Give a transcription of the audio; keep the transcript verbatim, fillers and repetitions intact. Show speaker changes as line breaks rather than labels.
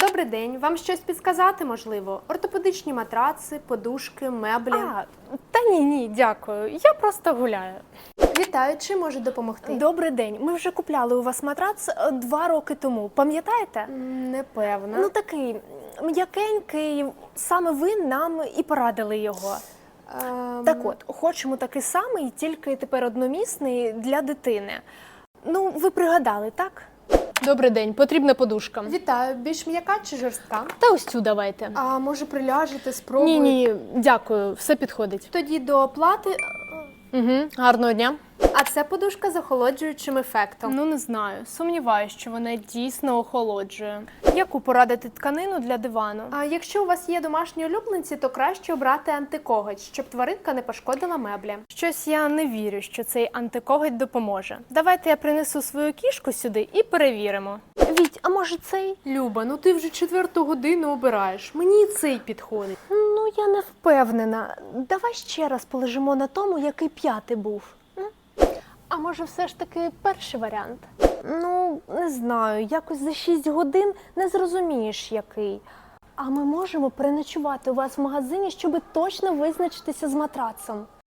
Добрий день. Вам щось підсказати, можливо? Ортопедичні матраци, подушки, меблі.
А, та ні, ні, дякую. Я просто гуляю.
Вітаю, чи можу допомогти?
Добрий день. Ми вже купляли у вас матрац е, два роки тому. Пам'ятаєте?
М, Непевна.
Ну такий м'якенький, саме ви нам і порадили його.
Ем,
Так от, хочемо такий самий, тільки тепер одномісний для дитини. Ну, ви пригадали, так?
Добрий день, потрібна подушка.
Вітаю. Більш м'яка чи жорстка?
Та ось цю давайте.
А може приляжете, спробуйте?
Ні, ні, дякую, все підходить.
Тоді до оплати.
Угу. Гарного дня.
А це подушка з охолоджуючим ефектом.
Ну, не знаю. Сумніваюся, що вона дійсно охолоджує. Яку порадити тканину для дивану?
А якщо у вас є домашні улюбленці, то краще обрати антикоготь, щоб тваринка не пошкодила меблі.
Щось я не вірю, що цей антикоготь допоможе. Давайте я принесу свою кішку сюди і перевіримо. Віть, а може цей?
Люба, ну ти вже четверту годину обираєш. Мені і цей підходить.
Ну, я не впевнена. Давай ще раз полежимо на тому, який п'ятий був. М? А може все ж таки перший варіант? Ну, не знаю, якось за шість годин не зрозумієш, який. А ми можемо переночувати у вас в магазині, щоб точно визначитися з матрацом.